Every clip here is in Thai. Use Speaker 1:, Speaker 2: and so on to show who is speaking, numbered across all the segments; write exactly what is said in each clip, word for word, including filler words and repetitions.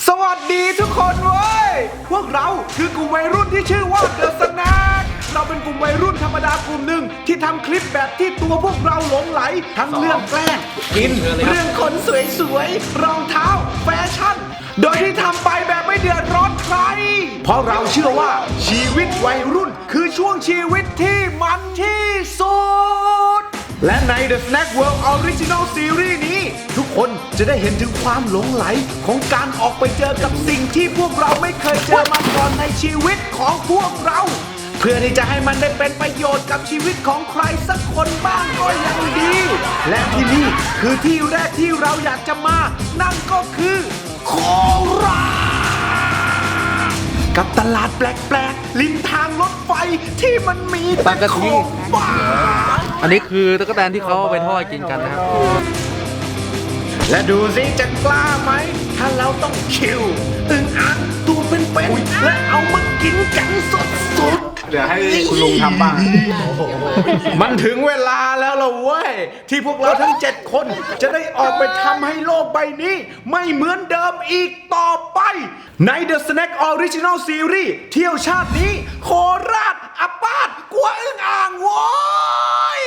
Speaker 1: สวัสดีทุกคนเว้ยพวกเราคือกลุ่มวัยรุ่นที่ชื่อว่าเดอะสแน็คเราเป็นกลุ่มวัยรุ่นธรรมดากลุ่มหนึ่งที่ทำคลิปแบบที่ตัวพวกเราหลงไหลทั้งเรื่องแกล้งกินเรื่องขนสวยๆรองเท้าแฟชั่นโดยที่ทำไปแบบไม่เดือดร้อนใครเพราะเราเชื่อว่าชีวิตวัยรุ่นคือช่วงชีวิตที่มันที่สุดและใน The Snack World Original Series นี้ทุกคนจะได้เห็นถึงความหลงไหลของการออกไปเจอกับสิ่งที่พวกเราไม่เคยเจอมาก่อนในชีวิตของพวกเราเพื่อที่จะให้มันได้เป็นประโยชน์กับชีวิตของใครสักคนบ้างก็ยังดีและที่นี่คือที่แรกที่เราอยากจะมานั่นก็คือโคราชกับตลาดแปลกๆริมทางรถไฟที่มันมีแต่ของบ้า
Speaker 2: อันนี้คือตะกั่วแตนที่เขาเอาไปทอดกินกันนะครับ
Speaker 1: และดูสิจะกล้าไหมถ้าเราต้องคิวอึ่งอ่างตัวเป็นๆและเอามากินกันสดๆเดี๋ยวให้คุณลุงทำบ้างมันถึงเวลาแล้วล่ะเว้ยที่พวกเราทั้งเจ็ดคนจะได้ออกไปทำให้โลกใบนี้ไม่เหมือนเดิมอีกต่อไปใน The Snack Original Series เที่ยวชาตินี้โคราชอัปปาดกลัวอึ่งอ่างโว้ย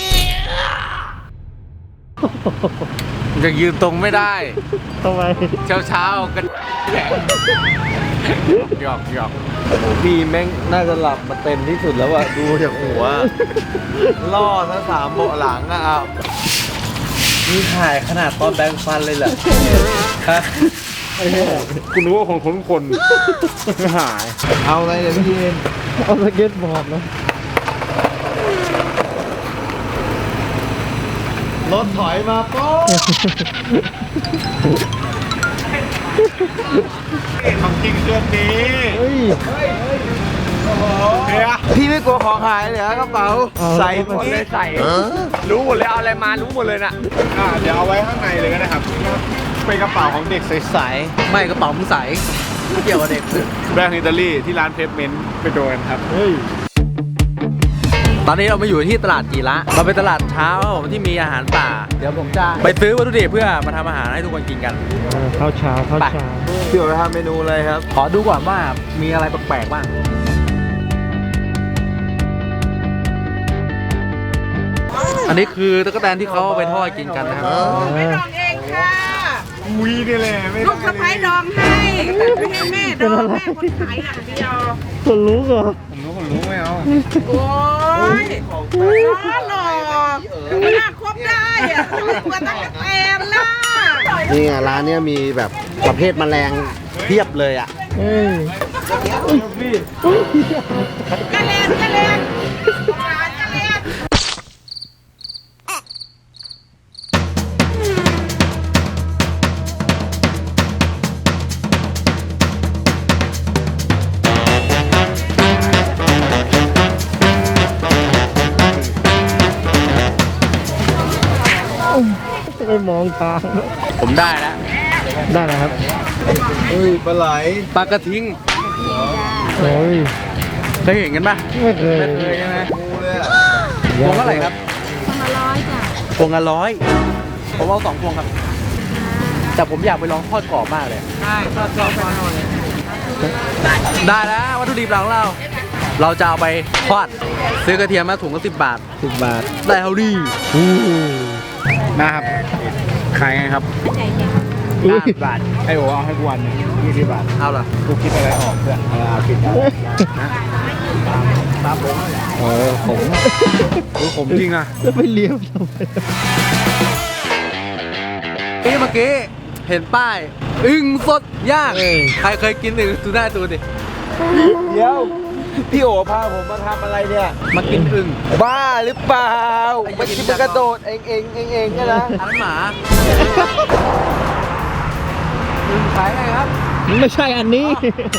Speaker 2: จะยืนตรงไม่ได้
Speaker 3: ทำไม
Speaker 2: เช้าเช้ากันแข็งหยอกหยอก
Speaker 3: โอ้พี่แม่งน่าจะหลับมาเต็มที่สุดแล้วอะดูจากหัวล่อทั้งสามเบาะหลังอะเอานี่ถ่ายขนาดตอนแบงฟันเลยเหรอฮะ
Speaker 2: คุณรู้ว่าของคนคนหาย
Speaker 3: เอาอะไรเนี่ยพี่เอ็นเอาสเก็ตบอร์ดนะรถถอยมาป๊อ
Speaker 1: ของจริงเรื่องนี้
Speaker 3: เฮ้ยพี่ไม่กลัวของหายเลยกระเป๋าใส่หมดเลยใส่
Speaker 2: รู้หมดเลยเอาอะไรมารู้หมดเลยน่ะ
Speaker 1: เดี๋ยวเอาไว้ข้างในเลยก็ได้ครับเป็นกระเป๋าของเด็กใส
Speaker 2: ๆไม่กระเป๋ามึงใสไม่เกี่ยวกับเด็ก
Speaker 1: แบรนด์อิตาลีที่ร้านเพปเมนต์ไปโดนครับเฮ้ย
Speaker 2: ตอนนี้เรามาอยู่ที่ตลาดจีระเราเป็นตลาดเช้าที่มีอาหารป่าเดี๋ยวผมจะไปซื้อวัตถุดิบเพื่อมาทำอาหารให้ทุกคนกินกัน
Speaker 3: ข้าวเช้าข้าวเช้าพี่ไปทำเมนูอะไรครับ
Speaker 2: ขอดูก่อนว่ามีอะไรแปลกๆบ้างอันนี้คือตะกั่วแตนที่เขาเอาไปทอดกินกันนะครับ
Speaker 4: ไม่ดองเองค่ะ
Speaker 1: วีนี่แหละ
Speaker 4: ลูกสะใภ้ดองให้ไม่ให้แม่ดองแม่คนขายอย่างเดียว
Speaker 3: คนรู้เหรอ
Speaker 1: ผมรู้ผมรู้ไม่เอา
Speaker 4: โอ้ยล้อหลอกไม่น่าคบได้อะตัวตั้งแต่มนะ
Speaker 3: นี่ไงร้านเนี้ยมีแบบประเภทแมลงเพียบเลยอ่ะเฮ้ย
Speaker 4: กระเลนกระเลน
Speaker 3: ไม่มองทาง
Speaker 2: ผมได้แล้ว
Speaker 3: ได้แล้วครับเฮ้ยปลาไหล
Speaker 2: ปลากระทิง
Speaker 3: โอ้ย
Speaker 2: เคยเห็นกันปะ
Speaker 3: ไม่เคย
Speaker 2: ไม่เคยใช่ไหมพวงเท่าไหร่ครับ
Speaker 4: พวงละร้อยจ้ะ
Speaker 2: พวงละร้อยผมเอาสองพวงครับแต่ผมอยากไปลองทอดกรอบมากเลย
Speaker 4: ใช่ทอดกรอบมาหน่อย
Speaker 2: ได้แล้ววัตถุดิบหลังเราเราจะเอาไปทอดซื้อกระเทียมมาถุงก็สิบบาท
Speaker 3: สิบบาท
Speaker 2: ได้เท่าดี
Speaker 1: นะครับขายไงครับห้าสิบบาทไอโอเอาให้กวนยี่สิบบาท
Speaker 2: เอาล่ะ
Speaker 1: กูคิดอะไรออกเพื่อนเอาคิดได้ตามผม
Speaker 3: เออผม
Speaker 1: ดูผมจริงอ่ะ
Speaker 3: แล้วไม่เลี้ยวทำไม
Speaker 2: นี่เมื่อกี้เห็นป้ายอึ่งสดย่างใครเคยกินอึ่งดูหน้าดูดิ
Speaker 3: เดี๋ยวพี่โอพาผมมาทำอะไรเนี่ย
Speaker 2: มากินอึ่ง
Speaker 3: บ้าหรือเปล่ามาชิมกระโดดเองเองเองเองนะ
Speaker 2: อันหมาอึ่งขายไงครับ
Speaker 3: ไม่ใช่อันนี้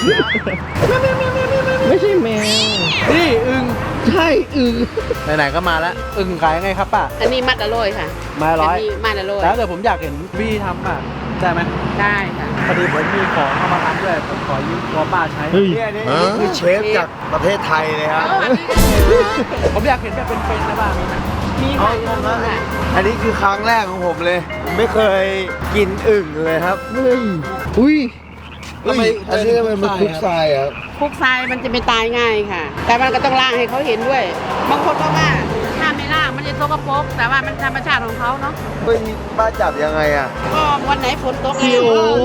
Speaker 3: ไม่ใช่แมว
Speaker 2: นี่อึ่ง
Speaker 3: ใช่อึ่ง
Speaker 2: ไหนๆก็มาแล้วอึ่งขายไงครับป้า
Speaker 4: อันนี้มัดละร้อยค่ะ
Speaker 2: มาร้อย
Speaker 4: มัดละร้อย
Speaker 2: แล้วเดี๋ยวผมอยากเห็นพี่ทำอ่ะได้ไหม
Speaker 4: ได้ค่ะ
Speaker 2: พอดีผมมีของเอามาทำด้วยผมขอยืมตัวป้าใช้
Speaker 3: นี่นี่คือเชฟจากประเทศไทยเลยครับ
Speaker 2: ผมอยากเห็นแบบเป็นๆนะบ้าง
Speaker 4: มีค่ะ
Speaker 3: อันนี้คือครั้งแรกของผมเลยไม่เคยกินอึ่งเลยครับเฮ้ยอุ้ยทำไมอันนี้ทำไมมันคลุกทรายอ่ะ
Speaker 4: คลุกทรายมันจะไม่ตายง่ายค่ะ แต่มันก็ต้องล้างให้เขาเห็นด้วย บางคนก็ว่าถ้าไม่ล้างมันจะสกปรกแต่ว่ามันธรรมชาติของเขาเนาะ
Speaker 3: ไม่มีบ้านจับยังไงอ่ะ
Speaker 4: ก็วันไหนฝนตกแล้ว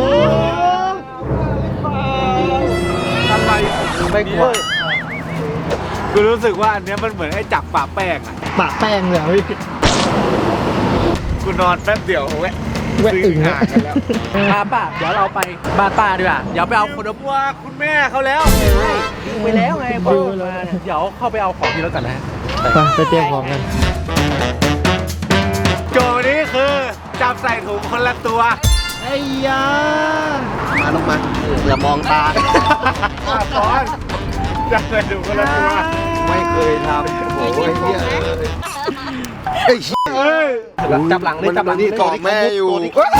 Speaker 3: อะไรไม่กลัว
Speaker 1: กูรู้สึกว่าอันเนี้ยมันเหมือนไอ้จับปะแป้งอะ
Speaker 5: ปะแป้งเลยพี่
Speaker 1: กูนอนแป๊บเดียวแวะ
Speaker 5: แวะอึ่ง
Speaker 1: ห่า
Speaker 5: นะ
Speaker 1: งกันแล้ว
Speaker 2: ป้าป้าเดี๋ยวเราไปบ้านป้าดีกว่าเดี๋ยวไปเอาคน
Speaker 1: กลัวคุณแม่เขาแล้ว
Speaker 2: ไปแล้วไงบอกมาเดี๋ยวเข้าไปเอาของที่รถกันนะ
Speaker 5: ไปไปเตรียมของกัน
Speaker 1: โจนี้คือจับใส่ถุงคนละตัว
Speaker 5: ไอ้ยา
Speaker 3: มาลงมาอย่ามองตา
Speaker 1: อ่ะตอนจับใส่ถุงคนละตัว
Speaker 3: ไม่เคยทำโอ้ยเฮียเอ้ย
Speaker 1: เอ้ย
Speaker 2: จับหลังเลยจับหลัง
Speaker 3: นี่กอดแม่อยู่เฮ้ย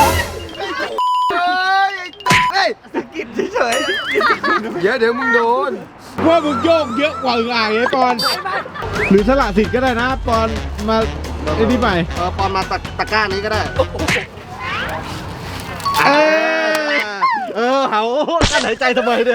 Speaker 3: เฮ้ย
Speaker 1: สะกิดเฉย
Speaker 3: เดี๋ยวเดี๋ยวมึงโดน
Speaker 5: ว่ามึงโยกเยอะกว่าอึ่งอ่างไอ้ปอน หรือสละสิทธิ์ก็ได้นะปอนมาไอ้นี่ใหม่
Speaker 3: เออปอนมาตะตะกร้านี้ก็ได้
Speaker 5: เอ้ย
Speaker 3: เออเหากั้นหายใจทำไมเนี่ย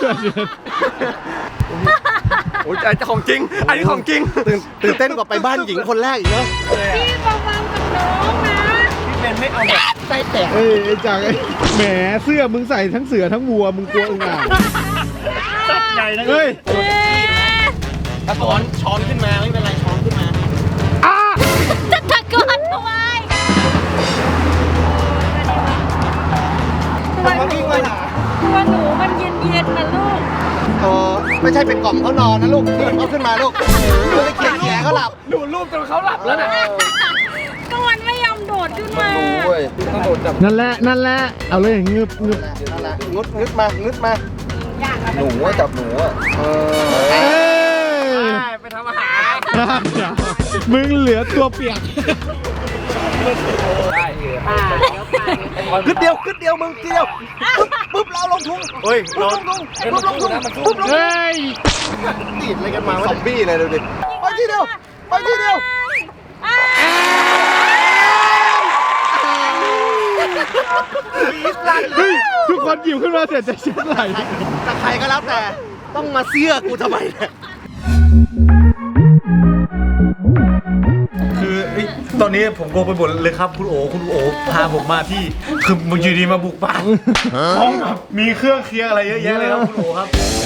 Speaker 1: โอ้ยอันนี้ของจริง อันนี้ของจริง
Speaker 3: ตื่นตื่นเต้นกว่าไปบ้านหญิงคนแรกอีกเนาะ
Speaker 4: พี่ระวังกับน้องนะ
Speaker 1: พี่เป็นไม่เอาแบบไส้แตก
Speaker 5: เอ้ยไอ้จังไอ้แหมเสื้อมึงใส่ทั้งเสือทั้งวัวมึงกลัวอึ่งอ่าง
Speaker 1: สับใหญ่นะ
Speaker 5: เฮ้ย
Speaker 3: ถ้าช้อนช้อนขึ้นมาไม่เป็นไรช้อนขึ้นมา
Speaker 6: จะตะโกนทำไม
Speaker 3: มันมาวิ่งมาหา
Speaker 6: ตัวหนูมันเย็นๆนะลูก
Speaker 3: เออไม่ใช่เป็นกล่อมเขานอนนะลูกนี่เอาขึ้นมาลูกไม่ได้เขียนแขนเขาหลับ
Speaker 1: ดูรูปจนเขาหลับแล้วนะ
Speaker 6: ก็มันไม่ยอมโดดขึ้นมา
Speaker 3: รู้เว้ย
Speaker 5: นั่นแหละนั่นแหละเอาเลยงึบงึบ
Speaker 3: นั่นแหละงึดงึดมางึดมาหนูอะจับหนูอะเออ
Speaker 5: เอ้ย
Speaker 1: ไปทำอาหาร
Speaker 5: เดี๋ยวมึงเหลือตัวเปียก
Speaker 4: ป้าเดี๋ยวป้า
Speaker 3: ขึ้นเดียวขึ้นเดียวมึงทีเดียวปุ๊บปุ๊บเราลงทุง
Speaker 1: เฮ้ย
Speaker 3: ปุ๊
Speaker 1: เรา
Speaker 3: บลงทุงปุ๊บลงทุงปุ๊บลงทุง
Speaker 5: เฮ้ย
Speaker 3: ติดอะไรกันมาวะซอมบี้เลยดูดิไปทีเดียวไปทีเดียว
Speaker 5: เฮ้ยทุกคนหยิบขึ้นมาเสร็จจะเช็ดไหล
Speaker 3: แต่ใครก็แล้วแต่ต้องมาเสื้อกูทำไมเนี่ย
Speaker 1: คือเอ้ยตอนนี้ผมโกไปหมดเลยครับคุณโอคุณโอพาผมมาที่คือมึงอยู่ดีมาบุกบ้านห้องแบบมีเครื่องเคียงอะไรเยอะแยะเลยครับคุณโอครับ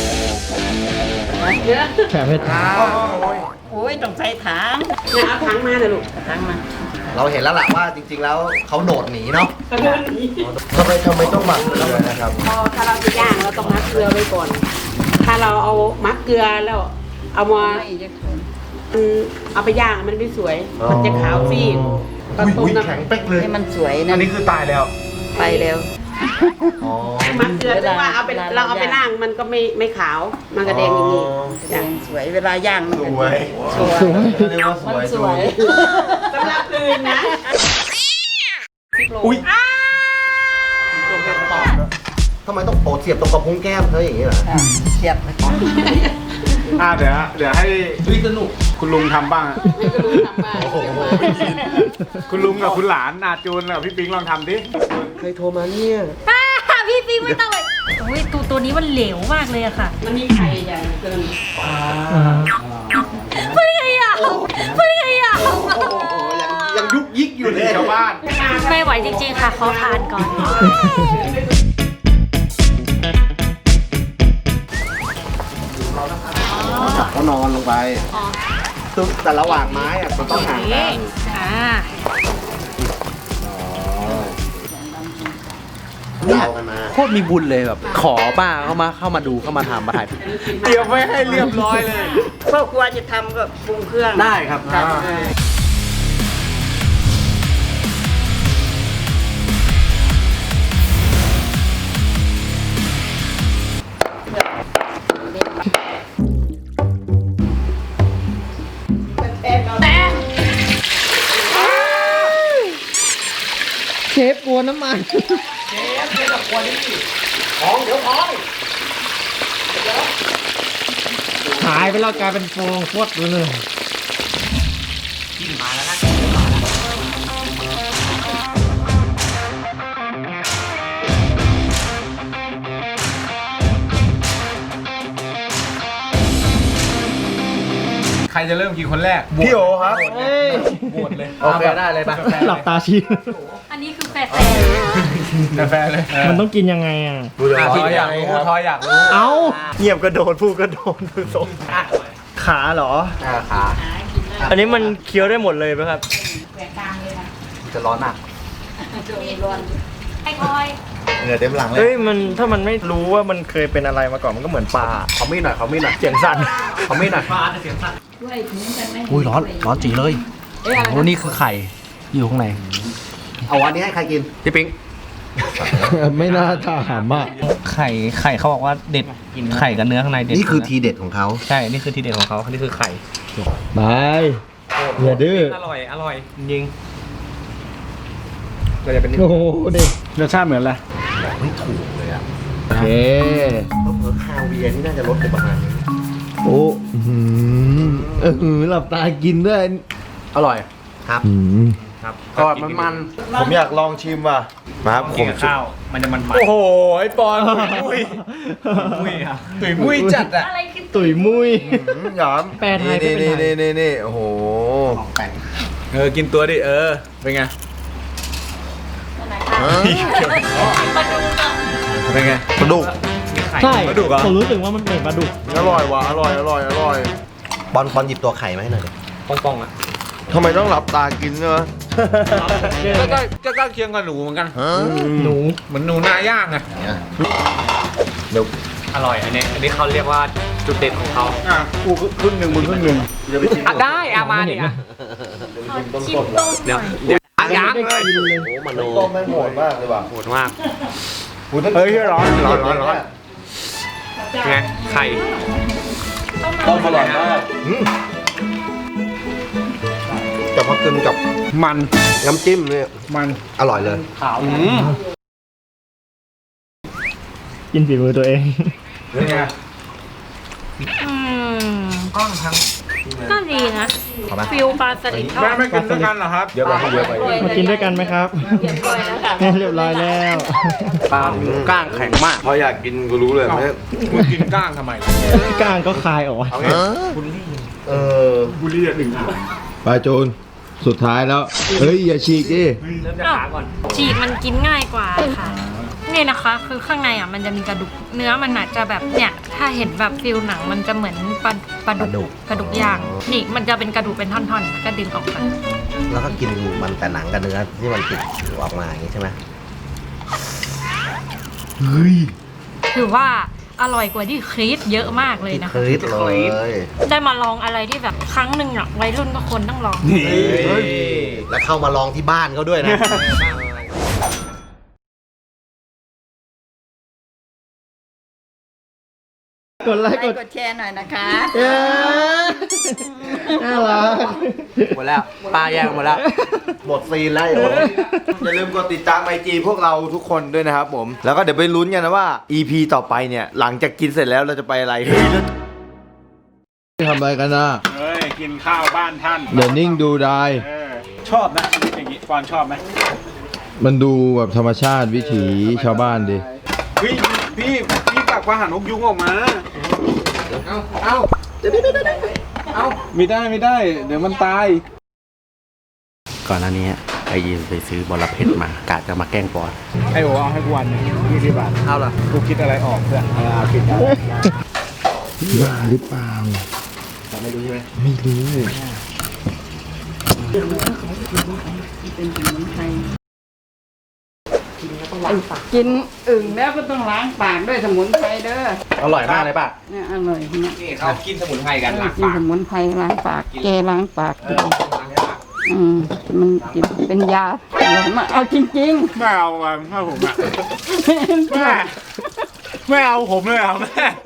Speaker 5: แผลเพชร
Speaker 4: โอ้ยต้องใส่ถังเนี่ยเอาถังมาเลยลูกเอาถังมา
Speaker 3: เราเห็นแล้วล่ะว่าจริง ๆ แล้วเขาโดดหนีเนาะทำไมทำไมต้องหมักเลยนะครับ
Speaker 4: พอถ้าเราจะย่างเราต้องมักเกลือไว้ก่อน ถ้าเราเอามักเกลือแล้ว เอามาอืมเอาไปย่างมันไม่สวย มันจะขาวซีดก็ต้มน้ำ
Speaker 1: แข็งเป๊กเลย
Speaker 7: ให้มันสวย
Speaker 1: อั
Speaker 7: นะ
Speaker 1: นนี้คือตายแล้ว
Speaker 7: ไปแล้ว
Speaker 3: อ๋อ
Speaker 4: มักเกลือ
Speaker 7: เวลา
Speaker 4: แต่ว่าเอาไป
Speaker 7: เวลา
Speaker 4: เราเอาไป
Speaker 7: ย่าง
Speaker 4: ย่างมันก็ไม่ไม่ขาว มันก็แดงอย่างนี้จ้ะ
Speaker 7: สวยเวลาย่างมัน
Speaker 1: ส
Speaker 7: ก็
Speaker 1: วย
Speaker 7: สวย
Speaker 3: เรียกว่าส
Speaker 7: มัน
Speaker 3: วย
Speaker 7: สวย
Speaker 4: สำหรับคืนนะ
Speaker 1: อุ้ย
Speaker 3: ทำไมต้องโปะเสียบตรงกระพุ้งแก้มเธออย่างนี้เหรอ
Speaker 7: เฉียบ
Speaker 1: อ่าเดี๋ยวเดี๋ยวให้สนุกคุณลุงทำบ้าง
Speaker 3: โอ้โห
Speaker 1: คุณลุงกับคุณหลานอาจูนกับพี่ปิงลองทำดิ
Speaker 3: ใครโทรมาเนี่ย
Speaker 6: อ่าพี่ปิงไม่ต้องเลยโอ้ยตัวตัวนี้มันเหลวมากเลยอะค่ะ
Speaker 4: มันมีไข่ใหญ่เกิน
Speaker 6: ไม่ได้อยากไม่ได้อยาก
Speaker 3: ยังยุกยิกอยู่เลย
Speaker 1: ชาวบ้าน
Speaker 6: ไม่ไหวจริงๆค่ะขอทานก่อน
Speaker 3: เขานอนลงไปซึ่งแต่ระหว่างไม้อะมันต้องห่างกัน
Speaker 6: อ่า
Speaker 3: ยาวกันมา
Speaker 2: โคตรมีบุญเลยแบบ ขอป้าเข้ามาเข้ามาดูเข้ามาทำมาถ่าย
Speaker 1: เตรียมไว้ให้เรียบร้อยเลย
Speaker 7: พ่อครัวจะทำก็ปรุงเครื่อง
Speaker 2: ได้ครับ
Speaker 5: เชฟกลัวน้ำมันเชฟเชฟกลัวนี่ของเดี๋ยวของหายไปแล้วกลายเป็นฟองฟดเลย
Speaker 3: จะเริ่มกินคนแรก
Speaker 5: พี่โอครับ
Speaker 3: บวชเลย
Speaker 2: โอเคได้เลยปะ
Speaker 5: หลับตาชี้
Speaker 6: อันนี้คือแฟร์
Speaker 3: กาแฟเลย
Speaker 5: มันต้องกินยังไงอ่ะ
Speaker 3: อ่ะทอยอยากรู้ทอยอยากรู้
Speaker 5: เอ้าเงียบกระโดดพูดกระโดดดูทรงขาเหรอ
Speaker 2: อ่าขา
Speaker 5: อันนี้มันเคี้ยวได้หมดเลยไหมครับ
Speaker 4: แหวกกลางเลยนะ
Speaker 2: จะร้อนมาก
Speaker 6: ไอ้คอย
Speaker 3: เหงื่อเต็มหลังเลย
Speaker 5: เฮ้ยมันถ้ามันไม่รู้ว่ามันเคยเป็นอะไรมาก่อนมันก็เหมือนปลา
Speaker 2: ขอมีดหน่อยขอมีดหน่อย
Speaker 5: เสียงสั่น
Speaker 2: ขอมีดหน่อย
Speaker 4: ด้วยถึงกันไหม
Speaker 2: อุ้ยร้อนร้อนจีเลย
Speaker 4: เอ้ยอะไร
Speaker 2: โอ้
Speaker 4: นะ
Speaker 2: นี่คือไข่อยู่ข้างใน
Speaker 8: เอาวันนี้ให้ใครกิน
Speaker 2: พี่ปิ๊ง
Speaker 5: ไม่น่าถามอ่ะ
Speaker 9: ไข่ไข่เขาบอกว่าเด็ดไข่กับเนื้อข้างในเด็ด
Speaker 8: นี่คือ
Speaker 9: นะ
Speaker 8: ทีเด็ดของเขา
Speaker 9: ใช่ นี่คือทีเด็ดของเขานี่คือไข่
Speaker 5: บายอย่าดื้อ
Speaker 9: อร่อย อร่อย จริง
Speaker 2: เราจะเป็น
Speaker 5: โอ้โหเด็ก
Speaker 3: รสชาติเหมือนอะไร
Speaker 8: บอกไม่ถูกเลยอ่ะ
Speaker 5: โอเค
Speaker 8: เพิ่มคาเวียร์นี่น่าจะลดไปประมาณนี้
Speaker 5: โอ้อื้อหือเออหลับตากินด้วย
Speaker 2: อร่อย
Speaker 8: ครับ
Speaker 5: อืม
Speaker 9: ครับ
Speaker 2: กรอบมันมัน
Speaker 5: ผมอยากลองชิมว่ะมาครับผ
Speaker 9: กิน
Speaker 5: ม
Speaker 9: กับข้าว มันจะมันมัน
Speaker 3: โอ้โหไอปอนมุ้ย
Speaker 9: มุ้ยครับ
Speaker 3: ตุ๋ยมุ้ยจัดอ่ะ
Speaker 6: อะไรคือ
Speaker 5: ตุ๋ยมุ้ย
Speaker 3: หยาม
Speaker 5: แปลไทยไม่เป็นไร
Speaker 3: นี่นี่นี่โอ้โหเออกินตัวดิเออเป็นไง
Speaker 6: มาดูกัน
Speaker 3: เป็นไง
Speaker 8: ปลาดุก
Speaker 5: ใช่
Speaker 3: ปลาดุกเหรอ
Speaker 5: ผมรู้สึกว่ามันเหมือนปลาดุก
Speaker 3: อร่อยว่ะอร่อยอร่อยอร่อย
Speaker 8: บอลบอลหยิบตัวไข่มาให้หน่อยดิ
Speaker 9: ป่องๆอ่ะ
Speaker 3: ทำไมต้องหลับตากินเนอะก็ก็ก็ใกล้เคียงกับหนูเหมือนกัน
Speaker 5: หนู
Speaker 3: เหมือนหนูนาย่างไง
Speaker 8: เดี๋ยว
Speaker 9: อร่อย อันนี้ อันนี้เขาเรียกว่าจุดเด่นของเขา
Speaker 3: อ่ะกูครึ่งหนึ่งมึงครึ่งหนึ่ง
Speaker 9: อ่ะได้อามาเนี่ย
Speaker 6: ขอชิมต้มห
Speaker 9: เดี๋ยว
Speaker 6: น่อย
Speaker 9: เดี๋ยวอ่ะยัง
Speaker 5: ไม่ได้กินเลย
Speaker 8: โอ้มโน
Speaker 3: ต้มแม่งโหดมากเลยว่ะ
Speaker 9: โหดมาก
Speaker 3: เฮ้ยร้อนร้อนร้อนร้อน
Speaker 9: ไง ไข่
Speaker 3: ต้มอร่อยมาก
Speaker 8: แต่พอกินกับ
Speaker 3: มัน
Speaker 8: น้ำจิ้มเนี่ย
Speaker 3: มัน
Speaker 8: อร่อยเลย
Speaker 9: ขาว
Speaker 5: กินฝีมือตัวเอง
Speaker 3: เป็นไง
Speaker 6: อืมก็ดีนะฟิลปลาสลิดทอ
Speaker 3: แม่
Speaker 6: ด
Speaker 3: ไม่กินด้วยกันเหรอครับเยอะไปเยอะไป
Speaker 5: มากินด้วยกันไหมครับ
Speaker 4: เรียบร้อยแล้วค่ะ
Speaker 5: เรียบร้อยแล้ว
Speaker 2: ปลาก้างแข็งมาก
Speaker 3: พออยากกินกูรู้เลยไม่มึงกินก้างทำไม
Speaker 5: ก้างก็คายออกมา
Speaker 3: เอาไง
Speaker 8: เออ
Speaker 3: บุรีหนึ่ง
Speaker 5: ปลาโจนสุดท้ายแล้ว เฮ้ย อย่าฉีกดิ
Speaker 9: เริ่มจากขาก่อน
Speaker 6: ฉีกมันกินง่ายกว่าค่ะ นี่นะคะ คือข้างในอ่ะมันจะมีกระดูกเนื้อมันอาจจะแบบเนี่ยถ้าเห็นแบบฟิลหนังมันจะเหมือนปลาปลาดุกกระดูกย่างนี่มันจะเป็นกระดูกเป็นท่อนๆก็ดึงออกมา
Speaker 8: แล้วก็กินมันแต่หนังกับเนื้อที่มันติดออกมาอย่างนี้ใช่ไหม
Speaker 6: ถือว่าอร่อยกว่าที่ครีสเยอะมากเลย
Speaker 8: ที่
Speaker 6: นะ
Speaker 8: ค
Speaker 6: คะ
Speaker 8: ลิปเลย
Speaker 6: ได้มาลองอะไรที่แบบครั้งหนึ่งอ่ะวัยรุ่นก็ควรต้องลอง
Speaker 8: แล้วเข้ามาลองที่บ้านเขาด้วยนะ
Speaker 5: กดไลค์กด
Speaker 7: กดแชร์หน่อยนะคะ
Speaker 5: เย้น่ารัก
Speaker 2: หมดแล้ว ปลาแยกหมดแล้ว
Speaker 8: หมดซีนแล้วโอ้ย
Speaker 3: อย่าลืมกดติดตามไอจีพวกเราทุกคนด้วยนะครับผม แล้วก็เดี๋ยวไปลุ้นกันนะว่า อี พี ต่อไปเนี่ย หลังจากกินเสร็จแล้วเราจะไปอะไรเฮ้ย
Speaker 5: ทำอะไรกันนะ
Speaker 3: เฮ้ย กินข้าวบ้านท่าน
Speaker 5: เดี๋ยวนิ่งดูได้
Speaker 3: ชอบนะชีวิตอย่างนี้ฟอนชอบไหม
Speaker 5: มันดูแบบธรรมชาติวิถีชาวบ้านดิ
Speaker 3: พี่พี่พี่ปากว่าหันนกยุงออกมา เอาเอาเอาไม่ได้ไม่ได้ เดี๋ยวมันตาย
Speaker 2: ก่อนหน้านี้ไปยืนไปซื้อบอระเพ็ดมากะจะมาแกล้งปอน
Speaker 3: ไอ้โอเอาให้กูวันยี่สิบบาท
Speaker 2: เอาล่ะ
Speaker 3: กูคิดอะไรออกเพื่อนเอาคิดได้
Speaker 5: บ้าหรือเปล่า ไม่รู้ใช่ไหม ไม่รู้
Speaker 4: กินอึ่งแล้วก็ต้องล้างปากด้วยสมุนไพรเด้อ
Speaker 2: อร่อยมากเลยป่ะ
Speaker 4: เนี่ยอร่อยเนี่ย
Speaker 9: นี่เขากินสมุนไพรกันล้าง
Speaker 4: กิน
Speaker 9: ปาก
Speaker 4: สมุนไพรล้างปาก แกล้างปากกินอืมมันกินเป็นยาอร่อยมากเอาจริง
Speaker 3: ไม่เอาอ่ะถ้าผมอ่ะ
Speaker 4: ๆ
Speaker 3: แม่ไม่เอาผมเลยอ่ะแม่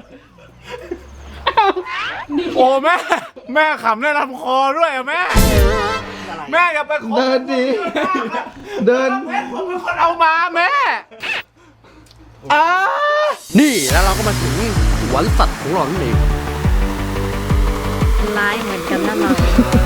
Speaker 3: โอ้แม่ แม่ขำได้ลำคอด้วยอ่ะแม่ แม่อย่าไปขอ
Speaker 5: เดินดิ เดิน
Speaker 3: ผมเป็นคนเอามาแม่อ้า
Speaker 2: นี่แล้วเราก็มาถึงสวนสัตว์ของเรานี่เอง
Speaker 6: ร้ายเหมือนกันนะเรา